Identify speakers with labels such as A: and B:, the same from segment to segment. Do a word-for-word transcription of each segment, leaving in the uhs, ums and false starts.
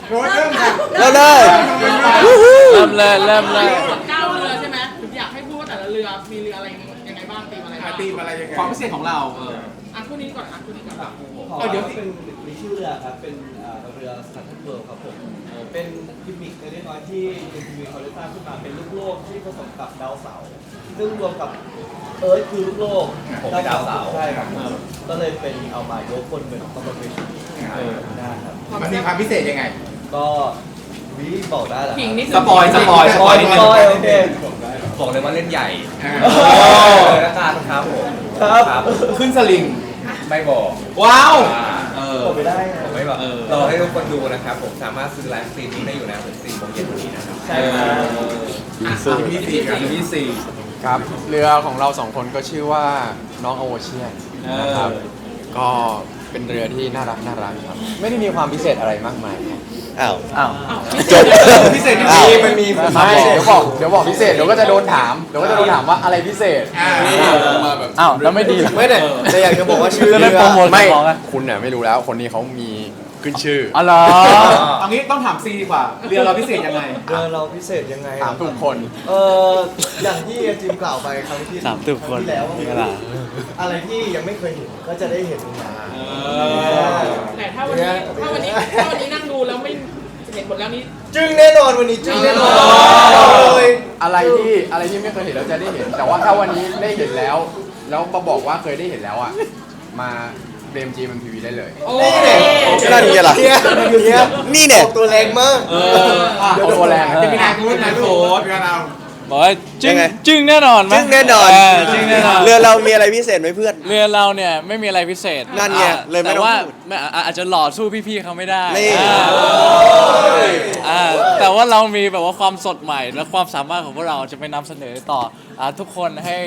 A: โค้ชเริ่มค่ะ
B: เริ่มเลย
C: เริ่มเลยเริ่มเลย
D: เก้าเรือใช่ไหมอยากให้พูดว่าแต่ละเรือมีเรืออะไรยังไงบ้างตีมอะไรบ้าง
A: ตีมอะไรยังไง
E: ความพิเศษของเราเออ
D: อ่ะคู่นี้ก่อนอ่ะคู่นี้ก่อน
E: เออเดี๋ยว
F: เป็นมีชื่อเรือครับ เป็นอ่าเรือสแตนเวิร์ครับผมเอ่อเป็นกิมมิคเล็กน้อยที่เป็นทีวีเขาได้สร้างขึ้นมาเป็นลูกโลกที่ผสมกับดาวเสาร์ซึ่งรวมกับเอิร์ธคือลูกโลกดาวเสาร์ใช่ครับก็เลยเป็นเอามายกคนเป็นคอมโบเมชั่นนะครับ
A: มันมีความพิเศษยังไง
F: ก็วิบอกได้เหรอ
D: ผิงนี่
E: สปอยสปอยสปอยนิดนึง
F: โอเค
G: บอกเลยว่าเล่นใหญ่
A: โอ้
G: แล้วกันครับผม
F: ครับ
E: ขึ้นสลิง
G: ไม่บอก
E: ว้าวเออ
F: บอกไม่ได้
G: ผมไม่บอก
E: เออ
G: รอให้ทุกคนดูนะครับ ผมสามารถซื้อไลฟ์สตรีมมิ่งได้อยู่นะถึงสี่โมงเย็นวันนี้นะครับ
F: ใช่ครับ
E: มีสี่มีสี่
C: ครับเรือของเราสองคนก็ชื่อว่าน้องโอเชียนนะครับก็เป็นเรือที่น่ารักน่ารักครับไม่ได้มีความพิเศษอะไรมากมายครับ
B: อ้าว
C: อ้าว
B: จบ
E: พิเศษ
B: อ้าว
E: มีมันมี
C: ไม่เดี๋ยวบอกเดี๋ยวบอกพิเศษเดี๋ยวก็จะโดนถามเดี๋ยวก็จะโดนถามว่าอะไรพิเศษ
A: อ่า
E: มาแบบ
C: อ้าวแล้วไม่ดีเหรอ
B: ไม่แต่แต่อยากจะบอกว่าชื่อ
C: จะ
B: เรื
C: ได้
B: อ
C: โปรโมท
B: ไม่
C: ของอะ
B: คุณเนี่ยไม่รู้แล้วคนนี้เขามีขึ้นชื่อ
C: อ๋อเหรอ
E: เอางี้ต้องถามซีดีกว่า เรือเราพิเศษยังไง
F: เรือเราพิเศษยังไง
C: ถามทุกคน
F: เอออย่างที่จิมกล่าวไปครั้งที่
C: ถามทุกคน
F: รั้งที่แล้วว่า
C: เวลา
F: อะไรที่ยังไม่เคยเห็นก็จะได้เห็นมา
D: แต่ถ้าวันนี้ถ้าวันนี้ถ้าวันนี้นั่งดูแล้วไม่เห็นหมดแล้วนี่
F: จึงแน่นอนวันนี้จึงแน่นอนเลย
C: อะไรที่อะไรที่ไม่เคยเห็นแล้วจะได้เห็น แต่ว่าถ้าวันนี้ได้เห็นแล้ว แล้วมาบอกว่าเคยได้เห็นแล้วอ่ะมาเบมจีมันทีวีได้เลย
F: นี่เนี่ย
B: นั่นไงล่ะ
F: เนี่ยเนี่ย
B: นี่เนี่ย
F: ออกตัวแรงมาก
E: เอออ่ะ
C: เอาตัวแรง
E: จะมีนายโค้ชนายโค้ช
A: เรือเรา
H: บอกว่าจึ้
B: ยัง งไง
H: จึ้งแน่นอนไหม
B: จึงแน่นอน
H: เจึ้งแน่นอน
B: เรือเรามีอะไรพิเศษไหมเพื่อน
H: เรือเราเนี่ยไม่มีอะไรพิเศษ
B: นั่นไง
H: อ่า
B: เลยไม่
H: แต่
B: ต้อง
H: ว่า
B: พูด
H: ไม่อ่าอาจจะหล่อสู้พี่ๆเขาไม่ได้
B: นี่
H: อ่าอ่าแต่ว่าเรามีแบบว่าความสดใหม่และความสามารถของพวกเราจะไปนำเสนอต่ออ่าทุกคนให้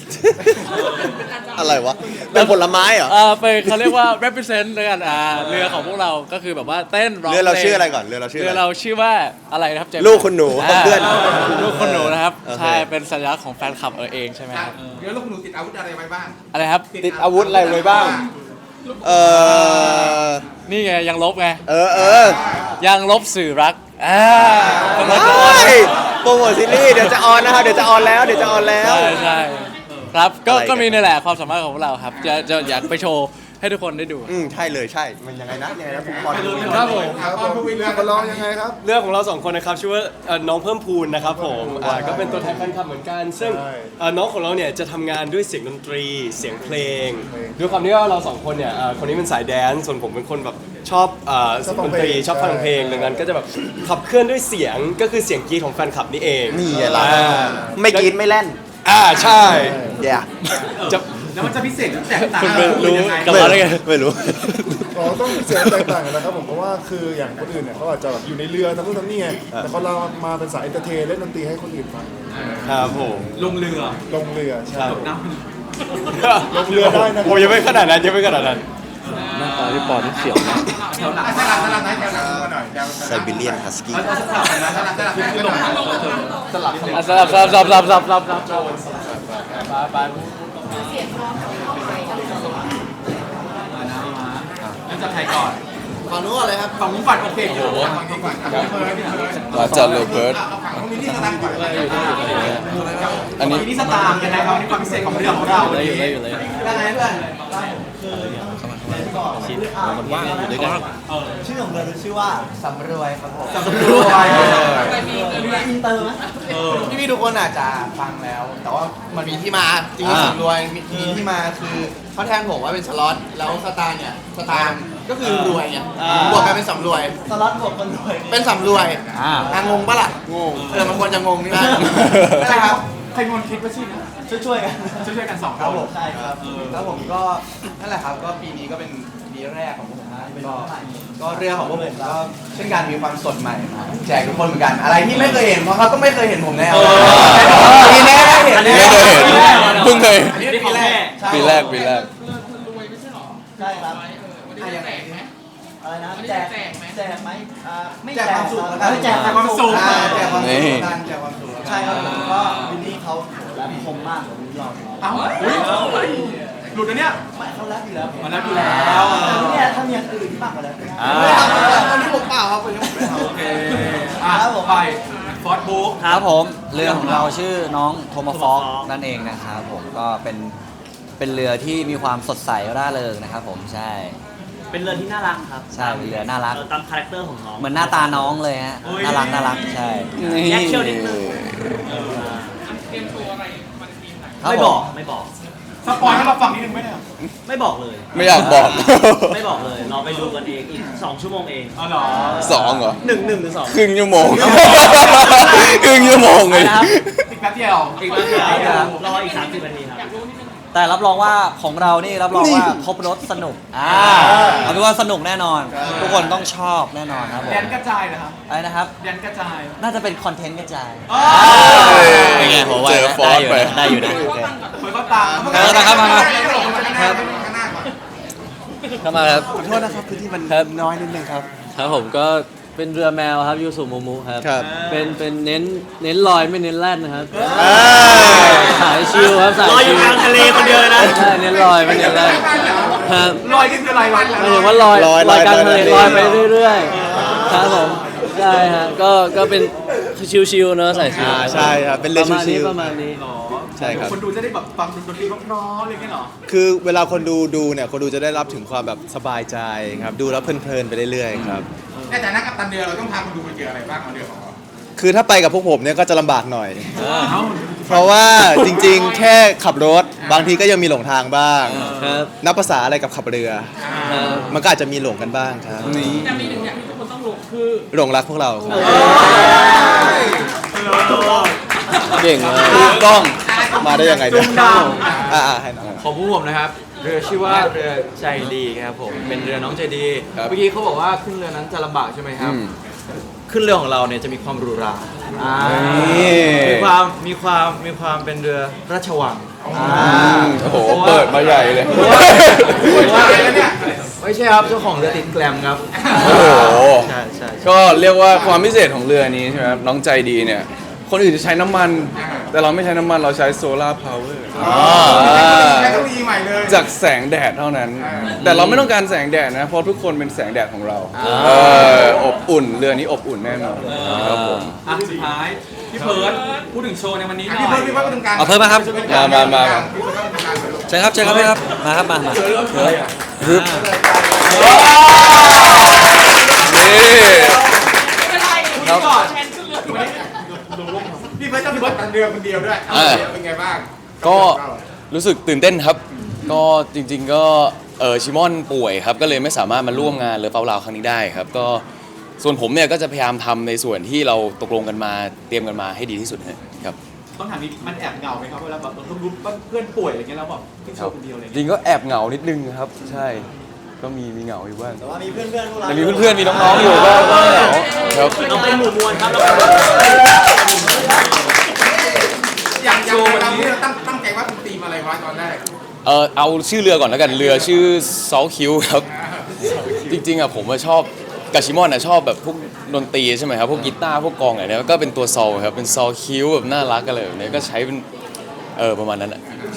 B: อะไรวะเป็นผลไม้เหรอ
H: อ่าไปเขาเรียกว่า represent เลยกันอ่าเรือของพวกเราก็คือแบบว่าเต้นร้อง
B: เรือเรา
H: พลง
B: ชื่ออะไรก่อนเรือเราชื่ออะไร
H: เรือเราชื่อว่าอะไรนะครับเจมส์
B: ลูกคุณหนู
H: า
B: เพื่อน
H: ลูกคุณหนูนะครับ
B: โอเค
H: ใช่เป็นสัญลักษณ์ของแฟนคลับเออเองใช่ไหมครับ
A: เรือลูกหนูติดอาวุธอะไรไว้บ้าง
H: อะไรครับ
C: ติดอาวุธอะไรไว้บ้าง
B: เออ
H: นี่ไงยังลบไง
B: เออเออ
H: ยังลบสื่อรักอ่าเป็นมาก่อน
B: ใช่โปรโมทซีรีส์เดี๋ยวจะออนนะครับเดี๋ยวจะออนแล้วเดี๋ยวจะออนแล้ว
H: ใช่ใช่ครับก็
B: อะไรกัน
H: ก็มีนี่แหละความสามารถของพวกเราครับ จะจะอยากไปโชว์ให้ทุกคนได้ดู
B: อืมใช่เลยใช่ มันยังไงนะยังไงนะผมพอดู
F: ครับผม
A: ครับผมเรือมาลองยังไงครับ
F: เรื่องของเราสองคนนะครับชื่อว่าเอ่อน้องเพิ่มพูนนะครับผมอ่าก็เป็นตัวแทนแฟนคลับเหมือนกัน ซึ่งเอ่อน้องของเราเนี่ยจะทำงานด้วยเสียงดนตรีเสียงเพลงด้วยความที่ว่าเราสองคนเนี่ยเอ่อคนนี้เป็นสายแดนซ์ส่วนผมเป็นคนแบบชอบเอ่อดนตรีชอบฟังเพลงดังนั้นก็จะแบบขับเคลื่อนด้วยเสียงก็คือเสียงกรีดของแฟนคลับนี่เอง
B: นี่ไงล่ะ
F: อ่า
B: ไม่กินไม่เล่น
F: อ่าใช่
B: อย่า
F: จะ
E: แล้วมันจะพิเศษแตกต่าง
H: คุณเป็นรู้
E: ยังไง
H: กับเราได้ไง
B: ไม่รู้
I: อ๋อต้องเสียงแตกต่างกันนะครับผมเพราะว่าคืออย่างคนอื่นเนี่ยเขาอาจจะแบบอยู่ในเรือทำนู่นทำนี่ไงแต่เขาเรามาเป็นสายเอนเตอร์เทนเล่นดนตรีให้คนอื่นฟัง
F: ครับผม
E: ลงเรือ
I: ลงเรือใช่
E: ตกน้
I: ลงเรือได้นะครับ
F: โอ้ยังไม่ขนาดนั้นยังไม่ขนาดนั้น
H: หน้าตาพี่ปอนี่เสียวนะ
E: ำแถวหลัง
A: สลับสลับไหนแถวหลังมาหน่อยแถว
B: ไซบีเรียนฮัสกี้
E: เอาสลับกันนะ
A: สลับสลับให้หน่อย
E: สลับ
H: อ่ะสลับสลับสลับสลับสลับสลับสลับไปไป
E: แล้วจะใครก่อน
F: ฝั่งนู้นอะไรครับ
E: ฝั่งมุ้งฝันโอเคโอ้โห
A: ฝั่งนี้ก่อนครับเพิร์ดเพิร์ด
C: เราจะโรเบิร์ต
A: เอาฝั่งของมินนี่สตางค์ก่อน
C: อันนี้
E: ทีนี้สตาร์ยังไงครับนี่ความพิเศษของเรือของเราวันนี้
H: อยู่เลยอยู่เลย
F: ยังไงเพื่อน
J: ชื่อของเรือชื่อว่าสำรวยครับผม
E: สำรวย
D: อะไรมีเรือ
J: อินเตอร์ไหมพี่พี่ๆทุกคนอาจจะฟังแล้ว แต่ว่ามันมีที่มาจริงๆสำรวยมีมีที่มาคือเขาแทนผมว่าเป็นสล็อตแล้วสตาร์เนี่ยสตาร์ก็คือรวยไงบวกกันเป็นสำรวยสล็อตบวกคนรวยเป็นสำรวยอ่างงปะล่ะงงเออมันควรจะงงนี่นะใช่ครับ
E: ใครมนคิดว่าชื่อนะ
J: ช่วยๆกัน
E: ช่วยๆกันสอง
J: ครับ
E: ค
J: ผ
E: น
J: มใช่ครับแล้วผมก็นั่นแหละครับก็ปีนี้ก็เป็นปีแรกของพวกผมนะก็ก็เรื่องของพวกผมก็เช่นการมีความสดใหม่มาแจกทุกคนเหมือนกันอะไรที่ไม่เคยเห็นเพราะเขาก็ไม่เคยเห็นผมแน่ปีแรกได้เห็น
C: ไม่เคยเห็นเพิ่งเคย
J: อันนี้ปีแรก
C: ปีแรกปีแรก
D: เรือเรือรวยไม่ใช่หรอ
J: ใช่ครับ
D: วันนี้จะแจกไหม
J: อะไรนะ
D: วันนี้
J: แจ
D: จะ
J: ก
D: แจกไหม
J: แจกไหมอ่าไม่
F: แจ
J: แจ
F: ก
J: ก
F: ความสุข
J: เออแจกความสุข
F: อ่า
J: อ่า
F: แจกความ
C: นี่
F: สุขกันแจกความสุข
J: ใช่ครับผมก็วินนี่เขาแรปคมมากกว่าวินนี่เรา
E: เอ้าหลุดนะเนี่ย
J: ไม่เขาแรปอยู่แล้ว
E: มันแล้วอยู่แล้ว
J: แต่เนี่ยถ้ามีอย่างอื่นที่มากกว่าแรปไม่ได้
H: อ่า
F: ตอนนี้ผมเปล่าครับผมยังไม่ทำ
E: ฟอร์ดบุ๊ก
K: ครับผมเรือของเราชื่อน้องโทมาฟอกนั่นเองนะครับผมก็เป็นเป็นเรือที่มีความสดใสร่าเริงนะครับผมใช่
L: เป็นเรือที่น่ารักครับ
K: ใช่เป็นเรือน่ารัก
L: เออตามคาแรคเตอร์ของน้อง
K: เหมือนหน้าตาน้องเลยฮะน่ารักน่ารักใช่
L: แยกเขี้ยวนิดนึง
D: เตรียมตัวอะไรมันทีมไหน
K: ครับ
L: ไม่
K: ผ
L: บอก
K: ม
L: ไม่บอก
E: สปอยให้เราฟังนิดนึงไหมเนี่ย
L: ไม่บอกเลย
C: ไม่อยากบอก
L: ไม่บอกเลยเราไปดูกันเองอีกสองชั่วโมงเอง
E: อ๋อเหรอ
C: สองเหรอ
L: หนึ่งหนึ่งหรือสอง
C: ครึ่งชั่วโมง ครึ่งชั่วโมงเลย
L: นะครับ
E: อีกแป๊บเดียว
L: อีกแล้วครับรออีกสามสิบนาทีครับ
K: แต่รับรองว่าของเรานี่รับรองว่าครบรถสนุกอ่าเอาเป็นว่าสนุกแน่นอน ทุกคนต้องชอบแน่นอนครับผม
E: แดนกระจายนะครับ
K: อะไรนะครับ
E: แดนกระจาย
K: น่าจะเป็นคอนเทนต์กระจาย
E: อ๋อ
K: เป็นไงผมว่า
C: เจอฟอสไป
K: ได้อยู่นะได้อยู่นะโอเค
E: เหมือนเขาตาม
K: เออนะครับมามา
A: ครับ ข้างหน้าก่อน
H: เข้ามาครับ
B: ขอโทษนะครับพื้นที่มัน
H: ครับ
B: น้อยนิดนึงครับ
H: ครับผมก็เป็นเรือแมวครับยูสุโมมุครับ
B: ครับ
H: เป็นเป็นเน้นเน้นลอยไม่เน้นแล่นนะครับ
B: อ่า
H: สายชิลครับสาย
L: ลอยอ
H: ชิ
L: ยู่
H: ล
L: กลางทะเลคนเดียวเลยนะ
H: ใช่เน้นลอยไม่เน้นแล่นครับ
E: ลอยนี่คืออะไรวะ
H: หมายถึงว่าลอย
B: ลอย
H: ลอยกลางทะเล
B: ล
H: ล
B: อ
H: อย ยไปเรื่อยๆครับผมใช่ฮะก็ก็เป็นชิลๆเนอะสายชิล
B: อ่าใช่ครับเป็นเรือ
H: ประมาณ
B: ชิ
H: นี้
B: ล
H: ประมาณนี้
E: หรอ
B: ใช่ครับ
E: คนดูจะได้แบบฟังดนตรีเพร้อๆอะไรอย่างเงี้ยเหรอ
B: ๆคือเวลาคนดูดูเนี่ยคนดูจะได้รับถึงความแบบสบายใจครับดูแล้วเพลินๆไปเรื่อยๆครับ
A: ในฐานะกัปตันเรือเราต้องพาคนดูไปเจออะไรบ้างเอาเรือของเรา
B: คือถ้าไปกับพวกผมเนี่ยก็จะลำบากหน่อย เพราะว่าจริงๆ แค่ขับรถบางทีก็ยังมีหลงทางบ้าง
H: ครับ
B: นับภาษาอะไรกับขับเรือ
H: ครับ
B: มันก็อาจจะมีหลงกันบ้างครับ
D: แต่มีหนึ่งอย่างที่ทุกคนต้องลงคือ
B: หลงรักพวกเราครับ
H: เก่งมาก
B: ถูกต้องมาได้ยังไงเนี่ยอ่าๆให้น้อง
C: ของผู้ผมนะครับ เรือชื่อว่าเรือใจดีครับผม เป็นเรือน้องใจดี เมื่อกี้เขาบอกว่าขึ้นเรือนั้นจะลำบากใช่ไหมครับ ขึ้นเรือของเราเนี่ยจะมีความหรูหรา
B: นี่
C: มีความมีความมีความเป็นเรือราชวัง
B: โอ้โหเปิดมาใหญ่เลย
C: ไม่ใช่ครับเจ้าของเรือติดแกลมครับ
B: โอ้โห
C: ใช่ใช่
M: ก็เรียกว่าความพิเศษของเรือนี้ใช่ไหมครับน้องใจดีเนี่ย คนอื่นจะใช้น้ำมัน แต่เราไม่ใช้น้ำมันเราใช้โซลาร์พาวเวอร์
A: ใช้เทคโนโลยีใหม่เลย
M: จากแสงแดดเท่านั้น แต่เราไม่ต้องการแสงแดดนะ เพราะทุกคนเป็นแสงแดดของเราเอออบอุ่นเรือนี้อบอุ่นแน่นอนครับผม
E: อ่ะสุดท้ายพี่เพิร์ดพูดถึงโชว์ในวันนี้หน่
A: พี่
E: อ
A: เพิ่
E: ย
A: มพี่เพิ่มตรงกลาง
K: เอาเพิ่มมาครับ
M: มามามามา
A: พี่เพิ่มตรงกลางเลยลูก
K: เชิญครับเชิญครับพี่ครับมาครับมามา
M: ฮึบนี่
D: ไม่เป็นไรคุณก่อนแทนขึ้นเรือถูกไหม
A: พี่เพิ่มต้องเป็นกัปตันเรือคนเดียวด้วย
M: เออ
A: เป็นไงบ้าง
M: ก็รู้สึกตื่นเต้นครับ ก็จริงๆก็เออชิมอนป่วยครับก็เลยไม่สามารถมาร่วมงานเรือเฝ้าลาวครั้งนี้ได้ครับ ก็ส่วนผมเนี่ยก็จะพยายามทำในส่วนที่เราตกลงกันมาเตรียมกันมาให้ดีที่สุดครับ
E: ต้องถามนิดมันแอบเหงาไหมครับเวลาแบบเราต้องรู้ว่าเพื่อนป่วยอะไรเงี้ยแล้วแบบขึ้นโชว์คนเดียวอะไร
M: จ
E: เงี้ย
M: ริงก็แอบเหงานิดนึงครับ ใช่ก็มีมีเหงาอยู่บ้าง
K: แต่ว่ามีเพื่อนเพื่อนพวกเรา
M: แต่มีเพื่อนๆมีน้องๆอยู่ก็ก็เหงาครับ
L: เราเป็นหมู่มวลครับเรา
A: อย่างอย่างเราเนี่ยตั้งตั้งใจว่าเป็นธีมอะไรวะตอนแรก
M: เออเอาชื่อเรือก่อนแล้วกันเรือชื่อซอลคิวครับ จริงๆอ่ะผมอะชอบกาชิมอนอ่ะชอบแบบพวกดนตรีใช่ไหมครับพวกกีตาร์พวกกลองอะไรเนี่ยก็เป็นตัวซอลครับเป็นซอลคิวแบบน่ารักกันเลยแบบนี้ก็ใช้เป็นเออประมาณนั้นอ่ะ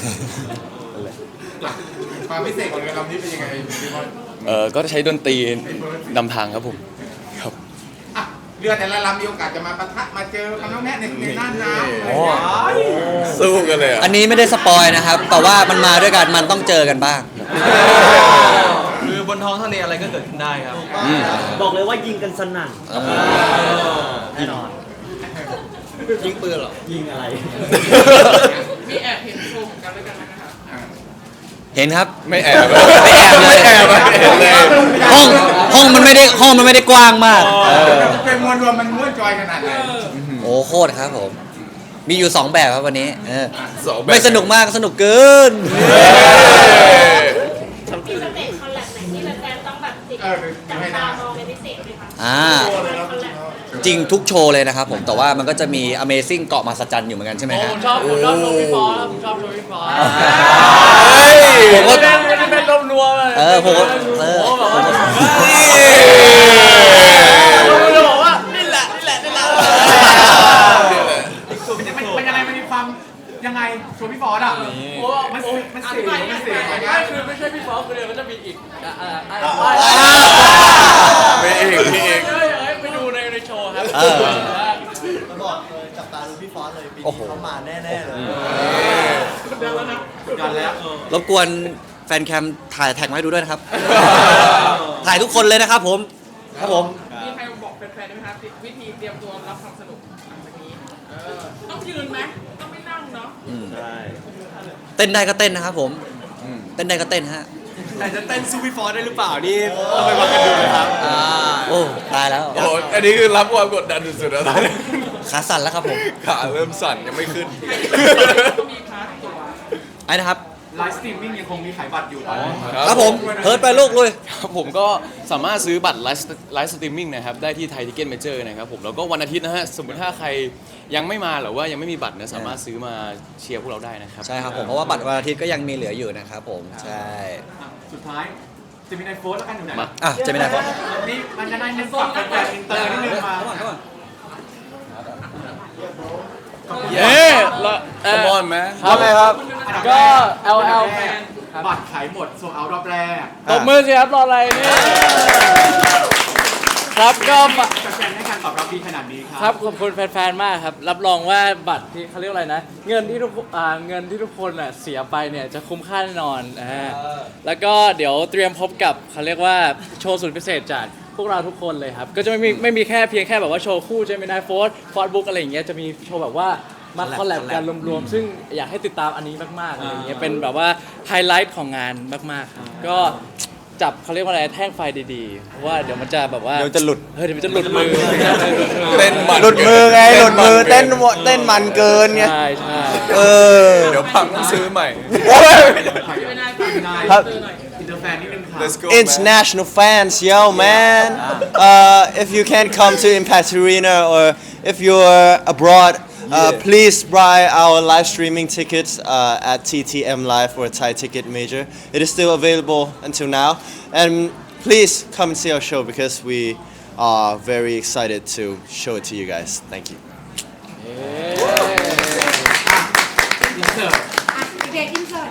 A: ความพิเศษของเรือลำนี้เป็นยังไงพี่บอล
M: เออก็ใช้ดนตรีนำทางครับผมครับ
A: อ่ะเรือแต่ละลำมีโอกาสจะมาปะทะมาเจอกันน้องแน่ในในน่านน้ำ
M: โอ้ สู้กันเลยอ่ะ
K: อันนี้ไม่ได้สปอยนะครับ แต่ว่ามันมาด้วยกันมันต้องเจอกันบ้าง
C: คือบนท้องทะเลอะไรก็เกิดขึ้นได้ครับ
L: บอกเลยว่ายิงกันสนั่นแน่นอนยิงปืนหรอยิงอะไร
D: มีแอบเห็นโชว์ของกันด้วยกันไหมนะครับ
K: เห็นครับ
M: ไม่แอบ
K: ไม่แอบเลย
M: ไม่แอบอะเห็นเลย
K: ห้องห้องมันไม่ได้ห้องมันไม่ได้กว้างมาก
A: เป็นมวลรวมมันม้วนจอยขนาดไหน
K: โอ้โคตรครับผม มีอยู่สองแบบครับวันนี้เออ
M: สองแบบ
K: ไม่สนุกมากสนุกเกิน
N: มีสเตจคอลแลบไหนที่แฟนๆต้องแบบติด
A: เออ
N: จับ
A: ให้
N: ตา
A: นะ
N: มองเป็นพิเศษไหมคะ
K: อ่า
N: คอลแลบ
K: จริงทุกโชว์เลยนะครับผมแต่ว่ามันก็จะมี Amazing เกาะมหัศจรรย์อยู่เหมือนกันใช่ไหม
D: โอ้
K: ฮะ
D: ผมชอบผมชอบโชว์พี่ฟอสผมชอบโชว์พี่ฟอส
K: ผมก็
D: ไม่ได้เป็นรวมรวมเลย
K: เออผมก็เออผมก็
D: ผมจะบอกว่านี่แหละนี่แหละนี่แหละ
E: มันยังไงมันมีความยังไงโชว์พี่ฟอร์ดอ่ะโอ้มันมัน
D: อ
E: เสี
D: ธิ
E: ย
D: บาย
E: มัน
D: ไม่
E: เสีย
D: ไม่คือไม่ใช่พี่ฟอสคนเดียวมันจะมีอีกอ่าอ่าอ่า
M: มีอีกมีอีก
D: ไปดูในในโชว์ครับ
L: จะบอกเลยจับตาดูพี่ฟอสเลยปี
K: โอ้
L: นี้
K: โห
L: เขามาแน่ๆเลย
D: กดดันแล้วนะ
E: กดดันแล้วเออ
K: รบกวนแฟนแคมถ่ายแท็กมาให้ดูด้วยนะครับ ถ่ายทุกคนเลยนะครับผม ครับผม
D: มีใครบอกแฟนๆได้ไหมคะวิธีเตรียมตัวรับความสนุกหลังจากนี้เออต้องยืนไหมต้องไม่นั่งเนาะ
K: เต้นได้ก็เต้นนะครับผม เต้นได้ก็เต้นฮะ
F: แต่จะเต้นสู้พี่ฟอสได้หรือเปล่านี่ต้องไปวัดกันดูนะครับ
K: โอ้ตายแล้ว
C: โอ้อันนี้คือรับความกดดันสุดๆแล้วตอนนี้
K: ขาสั่นแล้วครับผม
C: ขาเริ่มสั่นยังไม่ขึ้น
D: ก็มีพาร์ทตัว
K: ไอ้นะครับ
E: ไลฟ์สตรีมมิ่งยังคงมีขายบัตรอยู่ตอนนี้
K: ครับผมเพิร์ดไปลูกลุย
M: ครับผมก็สามารถซื้อบัตรไลฟ์ไลฟ์สตรีมมิ่งนะครับได้ที่ไทยทิเก็ตเมเจอร์นะครับผมแล้วก็วันอาทิตย์นะฮะสมมติถ้าใครยังไม่มาหรือว่ายังไม่มีบัตรนะสามารถซื้อมาเชียร์พวกเราได้นะครับ
K: ใช่ครับผม เพราะว่าบัตรวันอาทิตย์ก็ยังมีเหลืออยู่นะครับผม ใช่
E: อ่ะสุดท้ายจะมีไอโฟนแล้วกันอยู่ไหน
M: มา
K: อ่ะจะมีไหนครับ
E: นี่มันจะได้เน้นฝากแฟนๆอินเตอร์นิดนึงมา
H: เย้ละเอ่อ
C: Come on man
H: ครับครับ ก็ แอล แอล
E: แฟนบัตรขายหมดโซเอารอบแรก
H: ตบมือสิครับรออะไรเนี่ยครับก็มา
E: แฟนๆให้การตอบรับดีขนาดนี้ครั
H: ครับขอบคุณแฟนๆ มากครับ รับรองว่าบัตรที่เขาเรียกอะไรนะ เงินที่ทุกอ่าเงินที่ทุกคนอ่ะเสียไปเนี่ยจะคุ้มค่าแน่นอนอ่าแล้วก็เดี๋ยวเตรียมพบกับเขาเรียกว่าโชว์สุดพิเศษจากพวกเราทุกคนเลยครับ ก็จะไม่มีไม่มีแค่เพียงแค่แบบว่าโชว์คู่เจมินายโฟร์ฟอร์ดบุ๊กอะไรอย่างเงี้ยจะมีโชว์แบบว่ามาคอลแลบกันรวมๆ ซึ่งอยากให้ติดตามอันนี้มากๆอะไรอย่างเงี้ยเป็นแบบว่าไฮไลท์ของงานมากๆครับก็จับเขาเรียกว่าอะไรแท่งไฟดีๆเพราะว่าเดี๋ยวมันจะแบบว่า
B: เดี๋ยวจะหลุด
H: เฮ้ยเดี๋ยวมันจะหลุดมือ
C: เต้นมัน
B: หลุดมือไงหลุดมือเต้นเต้นมันเกินไง
H: ใช่ใช่
B: เออ
C: เดี๋ยวพังต้องซื้อใหม่
D: ไม่ได้ฝากนาย
B: ครับ
D: เตอร์หน่อย
E: อินเตอร์แฟนนิดนึงครับ
C: Let's go man.
B: International fans, yo man. Uh, if you can't come to Impact Arena or if you're abroad, uh, please buy our live streaming tickets uh, at T T M Live or Thai Ticket Major. It is still available until now, and please come and see our show because we are very excited to show it to you guys. Thank you.
E: อินเสิร์ต
N: เด็กอินเสิร์ต